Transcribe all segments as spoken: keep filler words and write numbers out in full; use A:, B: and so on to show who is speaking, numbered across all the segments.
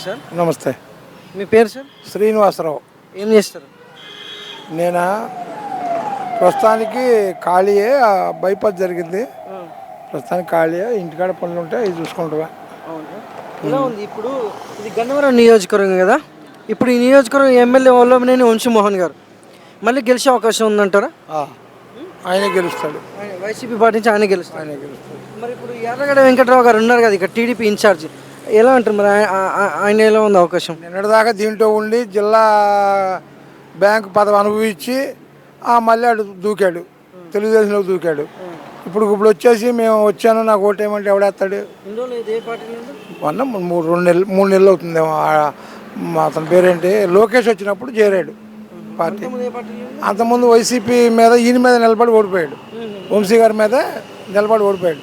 A: Sir.
B: నమస్తే.
A: మీ పేరు sir?
B: Srinivasarao.
A: ఏం చేస్తారు?
B: నేను ప్రస్తుతానికి ఖాళీయే, బైపాస్ జరిగింది, ప్రస్తుతానికి ఖాళీయే, ఇంటికాడ పనులు ఉంటే ఇది చూసుకుంటావా.
A: ఎలా ఉంది ఇప్పుడు? ఇది గన్నవరం నియోజకవర్గం కదా. ఇప్పుడు ఈ నియోజకవర్గం ఎమ్మెల్యే వల్లభనేని వంశీమోహన్ గారు మళ్ళీ గెలిచే అవకాశం ఉందంటారా?
B: ఆయనే గెలుస్తాడు.
A: వైసీపీ పార్టీ నుంచి ఆయన గెలుస్తాడు.
B: ఆయనే గెలుస్తాడు.
A: మరి ఇప్పుడు ఎర్రగడ్డ వెంకట్రావు గారు ఉన్నారు కదా ఇక్కడ టీడీపీ ఇన్ఛార్జ్, ఎలా అంటారు మరి ఆయన ఎలా ఉంది అవకాశం?
B: నిన్నటిదాకా దీంట్లో ఉండి జిల్లా బ్యాంకు పదవి అనుభవించి మళ్ళీ అటు దూకాడు, తెలుగుదేశంలో దూకాడు. ఇప్పుడు ఇప్పుడు వచ్చేసి మేము వచ్చాను నాకు ఓటేయమంటే ఎవడేస్తాడు? మొన్న మూడు రెండు నెలలు మూడు నెలలు అవుతుందేమో. అతని పేరేంటి, లోకేష్ వచ్చినప్పుడు చేరాడు పార్టీ. అంతకుముందు వైసీపీ మీద ఈయన మీద నిలబడి ఓడిపోయాడు, వంశీ గారి మీద నిలబడి ఓడిపోయాడు.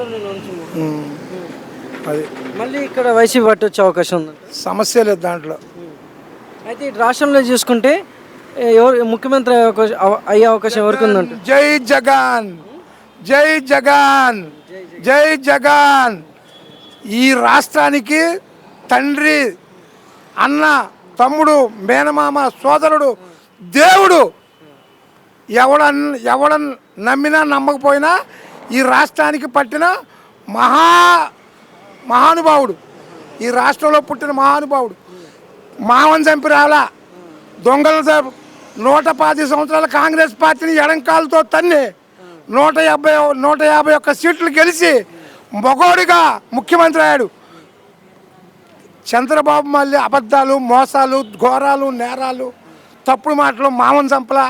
B: అది
A: మళ్ళీ ఇక్కడ వైసీపీ పార్టీ వచ్చే అవకాశం ఉంది,
B: సమస్య లేదు దాంట్లో.
A: అయితే రాష్ట్రంలో చూసుకుంటే ఎవరు ముఖ్యమంత్రి అయ్యే అవకాశం ఎవరికి ఉందంటే?
B: జై జగన్, జై జగన్, జై జగన్. ఈ రాష్ట్రానికి తండ్రి, అన్న, తమ్ముడు, మేనమామ, సోదరుడు, దేవుడు. ఎవడ ఎవడ నమ్మినా నమ్మకపోయినా ఈ రాష్ట్రానికి పట్టిన మహా మహానుభావుడు, ఈ రాష్ట్రంలో పుట్టిన మహానుభావుడు. మావన్ చంపి రాలా, దొంగల నూట పాతి సంవత్సరాల కాంగ్రెస్ పార్టీని ఎడంకాలతో తన్ని నూట యాభై నూట యాభై ఒక్క సీట్లు గెలిచి మొగోడిగా ముఖ్యమంత్రి అయ్యాడు. చంద్రబాబు మళ్ళీ అబద్ధాలు, మోసాలు, ఘోరాలు, నేరాలు, తప్పుడు మాటలు, మామన్ చంపలా,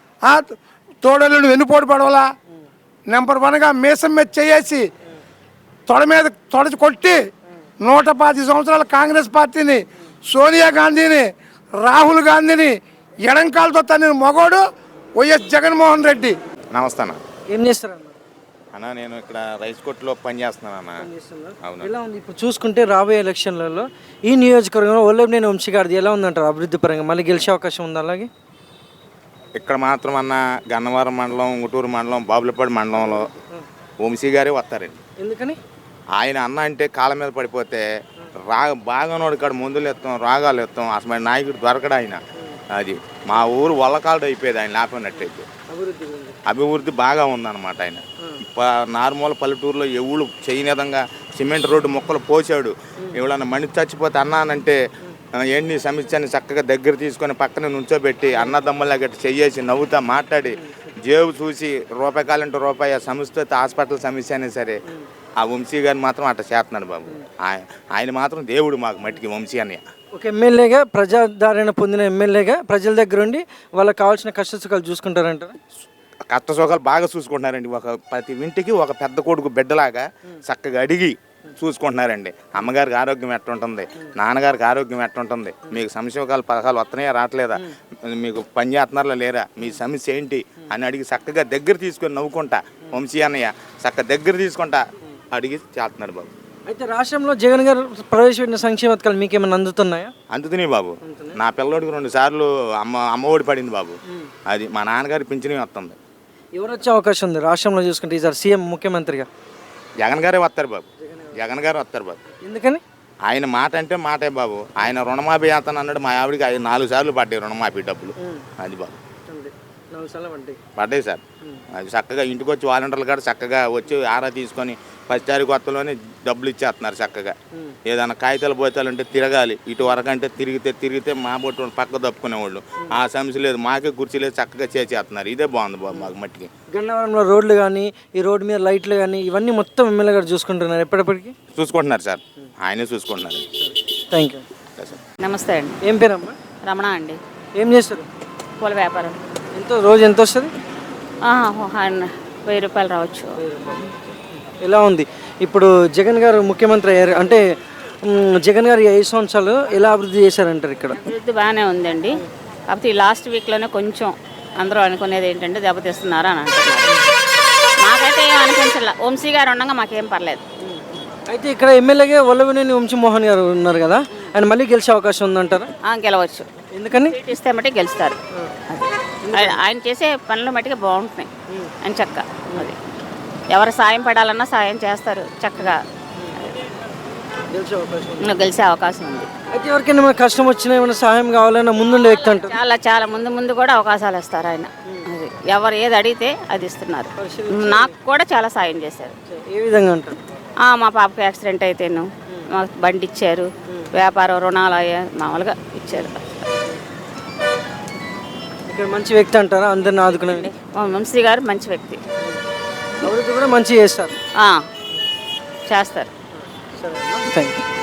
B: తోడలు వెన్నుపోటు పడవలా, నెంబర్ వన్గా మీసం మీద చేసి తొడ మీద తొడచి కొట్టి నూట పాతి సంవత్సరాల కాంగ్రెస్ పార్టీని, సోనియా గాంధీని, రాహుల్ గాంధీని ఎడంకాలతో తన మొగోడు వైఎస్ జగన్మోహన్ రెడ్డి.
C: నమస్తే అన్న.
A: ఏం చేస్తారన్న?
C: అన్న నేను ఇక్కడ రైస్ కోట్లో పనిచేస్తున్నాను అన్న. అవును.
A: ఎలా ఉంది ఇప్పుడు చూసుకుంటే రాబోయే ఎలక్షన్లలో ఈ నియోజకవర్గంలో వల్లభనేని వంశీ గారిది ఎలా ఉందంటారు అభివృద్ధి పరంగా? మళ్ళీ గెలిచే అవకాశం ఉంది? అలాగే
C: ఇక్కడ మాత్రం అన్న గన్నవరం మండలం, ఉంగుటూరు మండలం, బాబులపాడు మండలంలో వంశీ గారే వస్తారండి.
A: ఎందుకని?
C: ఆయన అన్న అంటే కాళ్ళ మీద పడిపోతే రా బాగానోడు కాడ మందులు ఎత్తాం, రాగాలు ఎత్తాం, అసలు నాయకుడు దొరకడు ఆయన. అది మా ఊరు వల్లకాడు అయిపోయేది ఆయన లేకపోయినట్టయితే. అభివృద్ధి బాగా ఉందన్నమాట. ఆయన నార్మల్ పల్లెటూరులో ఎవరు చేయని విధంగా సిమెంట్ రోడ్డు మొక్కలు పోసాడు. ఎవడన్నా మనిషి చచ్చిపోతే అన్నానంటే ఏంటి సమస్యని చక్కగా దగ్గర తీసుకొని పక్కన నుంచోబెట్టి అన్నదమ్ములా గట్టి చెయ్యేసి నవ్వుతా మాట్లాడి జేబు చూసి రూపాయి కాలంటే రూపాయి సమస్య హాస్పిటల్ సమస్య అయినా సరే ఆ వంశీ గారిని మాత్రం అట్లా చేస్తున్నాడు బాబు. ఆయన ఆయన మాత్రం దేవుడు మాకు మట్టికి వంశీ అన్నయ్య.
A: ఒక ఎమ్మెల్యేగా, ప్రజాదరణ పొందిన ఎమ్మెల్యేగా ప్రజల దగ్గర ఉండి వాళ్ళకి కావాల్సిన కష్ట సుఖాలు చూసుకుంటారంటారా?
C: కష్ట సుఖాలు బాగా చూసుకుంటున్నారండి. ఒక ప్రతి ఇంటికి ఒక పెద్ద కొడుకు బిడ్డలాగా చక్కగా అడిగి చూసుకుంటున్నారండి. అమ్మగారికి ఆరోగ్యం ఎట్టుంటుంది, నాన్నగారికి ఆరోగ్యం ఎట్టుంటుంది, మీకు సంక్షేమకాల పథకాలు వస్తున్నాయా రావట్లేదా, మీకు పని చేస్తున్నారా లేరా, మీ సమస్య ఏంటి అని అడిగి చక్కగా దగ్గర తీసుకొని నవ్వుకుంటా వంశీ అన్నయ్య చక్కగా దగ్గర తీసుకుంటా అడిగి చేస్తున్నాడు బాబు.
A: అయితే రాష్ట్రంలో జగన్ గారు ప్రవేశపెట్టిన సంక్షేమ పథకాలు మీకు ఏమైనా అందుతున్నాయా?
C: అందుతున్నాయి బాబు. నా పిల్లోడికి రెండు సార్లు అమ్మ అమ్మఒడి పడింది బాబు. అది మా నాన్నగారి పింఛనే వస్తుంది.
A: ఎవరు వచ్చే అవకాశం ఉంది రాష్ట్రంలో చూసుకుంటే ఈసారి సీఎం ముఖ్యమంత్రిగా?
C: జగన్ గారే వస్తారు బాబు. జగన్ గారు వస్తారు బాబు.
A: ఎందుకని? ఆయన
C: మాట అంటే మాటే బాబు. ఆయన రుణమాఫీ చేస్తాను అన్నాడు. మా ఆవిడికి ఐదు నాలుగు సార్లు పడ్డాయి రుణమాఫీ డబ్బులు. అది బాబు పడ్డాయి సార్. అది చక్కగా ఇంటికి వచ్చి వాలంటీర్లు కూడా చక్కగా వచ్చి ఆరా తీసుకొని ఫస్ట్ తారీఖు కొత్తలోనే డబ్బులు ఇచ్చేస్తున్నారు చక్కగా. ఏదైనా కాగితాలు పోతాలు ఉంటే తిరగాలి, ఇటు వరకు అంటే తిరిగితే తిరిగితే మా బొట్టు పక్క తప్పుకునేవాళ్ళు. ఆ సమస్య లేదు, మాకే కుర్చీ లేదు, చక్కగా చేసేస్తున్నారు. ఇదే బాగుంది బాబు మాకు మట్టికి.
A: గన్నవరంలో రోడ్లు కానీ, ఈ రోడ్డు మీద లైట్లు కానీ ఇవన్నీ మొత్తం ఎమ్మెల్యే గారు చూసుకుంటున్నారు ఎప్పటిప్పటికి?
C: చూసుకుంటున్నారు సార్, ఆయనే చూసుకుంటున్నారు.
A: Thank you.
D: నమస్తే అండి.
A: ఏం పేరమ్మా?
D: రమణ అండి.
A: ఏం చేస్తారు?
D: పూల వ్యాపారం.
A: ఎంత రోజు ఎంత వస్తుంది?
D: వెయ్యి రూపాయలు రావచ్చు.
A: ఎలా ఉంది ఇప్పుడు జగన్ గారు ముఖ్యమంత్రి అయ్యారు అంటే జగన్ గారు ఐదు సంవత్సరాలు ఎలా అభివృద్ధి చేశారంటారు? ఇక్కడ
D: అభివృద్ధి బాగానే ఉందండి. కాకపోతే ఈ లాస్ట్ వీక్లోనే కొంచెం అందరూ అనుకునేది ఏంటంటే దెబ్బతీస్తున్నారు అని అంటున్నారు. మాకైతే ఏం అనిపించలే. వంశీ గారు ఉండగా మాకేం పర్లేదు.
A: అయితే ఇక్కడ ఎమ్మెల్యేగా వల్లభనేని వంశీమోహన్ గారు ఉన్నారు కదా, ఆయన మళ్ళీ గెలిచే అవకాశం ఉందంటారా?
D: గెలవచ్చు.
A: ఎందుకని?
D: ఇస్తే మట్టి గెలుస్తారు. ఆయన చేసే పనులు మట్టిగా బాగుంటున్నాయి. అని చక్క అది ఎవరు సాయం పడాలన్నా సాయం చేస్తారు చక్కగా.
A: గెలిచే అవకాశం ఉంది.
D: ఇంకా గెలిచే అవకాశం ఉంది.
A: అయితే ఎవరికైనా ఏమైనా కష్టం వచ్చినా ఏమైనా సహాయం కావాలన్నా ముందుండే వ్యక్తి అంటారు.
D: చాలా చాలా ముందు ముందు కూడా అవకాశాలు ఇస్తారు ఆయన. అది ఎవరు ఏది అడిగితే అది ఇస్తున్నారు. నాకు కూడా చాలా సాయం చేశారు.
A: ఏ విధంగా అంటారు?
D: ఆ, మా పాపకి యాక్సిడెంట్ అయితేను మాకు బండి ఇచ్చారు, వ్యాపారం రుణాలు అయ్యా మామూలుగా ఇచ్చారు.
A: ఇక్కడ మంచి వ్యక్తి అంటారా అందరిని ఆదుకునే?
D: మా వంశీ గారు మంచి వ్యక్తి.
A: అభివృద్ధి కూడా మంచిగా చేస్తారు.
D: ఆ, చేస్తారు.
A: సరే థ్యాంక్ యూ.